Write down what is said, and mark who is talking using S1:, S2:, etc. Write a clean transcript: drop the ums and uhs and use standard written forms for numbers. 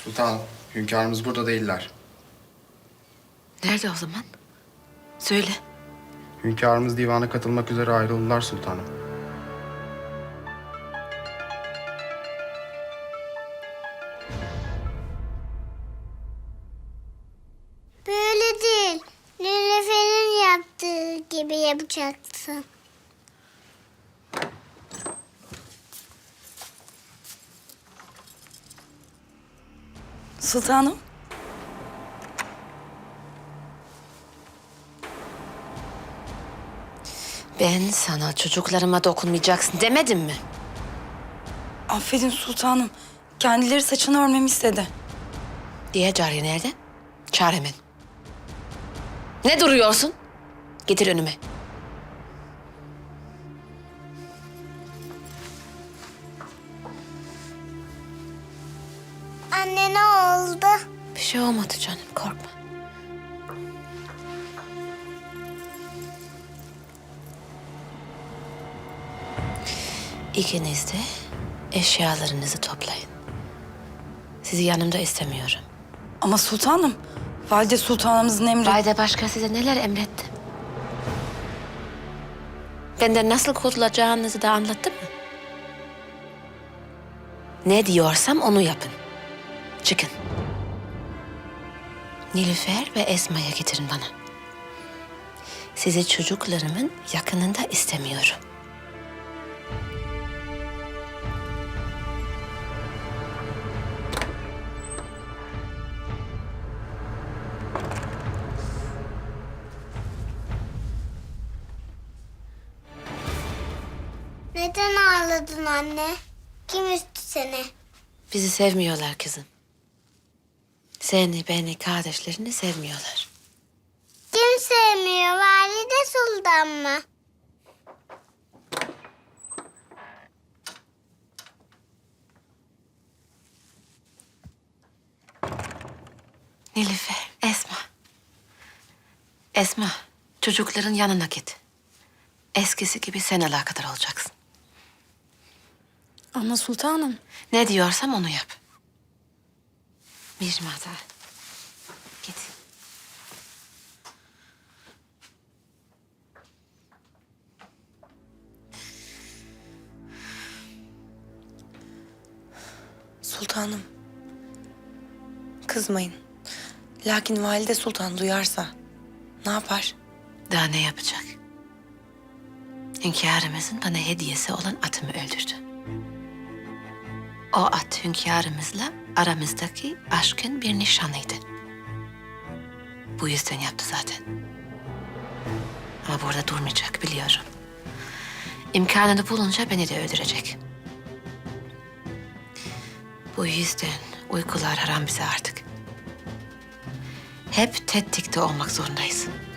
S1: Sultanım, hünkârımız burada değiller.
S2: Nerede o zaman? Söyle.
S1: Hünkârımız divana katılmak üzere ayrıldılar sultanım.
S3: Böyle değil. Nilüfer'in yaptığı gibi yapacaksın.
S4: Sultanım.
S2: Ben sana çocuklarıma dokunmayacaksın demedim mi?
S4: Affedin sultanım. Kendileri saçını örmemi istedi.
S2: Diğer cariye nerede? Çağır hemen. Ne duruyorsun? Getir önüme.
S3: Anne ne oldu?
S2: Bir şey olmadı canım, korkma. İkiniz de eşyalarınızı toplayın. Sizi yanımda istemiyorum.
S4: Ama sultanım, valide sultanımızın emri...
S2: Valide başka size neler emretti? Benden nasıl kurtulacağınızı da anlattım mı? Ne diyorsam onu yapın. Çıkın. Nilüfer ve Esma'ya getirin bana. Sizi çocuklarımın yakınında istemiyorum.
S3: Neden ağladın anne? Kim üstü seni?
S2: Bizi sevmiyorlar kızım. Seni, beni, kardeşlerini sevmiyorlar.
S3: Kim sevmiyor? Valide Sultan mı?
S2: Nilüfer, Esma. Esma, çocukların yanına git. Eskisi gibi sen alakadar olacaksın.
S4: Ama sultanım.
S2: Ne diyorsam onu yap. Mirmada. Git.
S5: Sultanım. Kızmayın. Lakin valide sultan duyarsa ne yapar?
S2: Daha ne yapacak? Hünkârımızın bana hediyesi olan atımı öldürdü. O at hünkârımızla aramızdaki aşkın bir nişanıydı. Bu yüzden yaptı zaten. Ama burada durmayacak biliyorum. İmkanını bulunca beni de öldürecek. Bu yüzden uykular haram bize artık. Hep tetikte olmak zorundayız.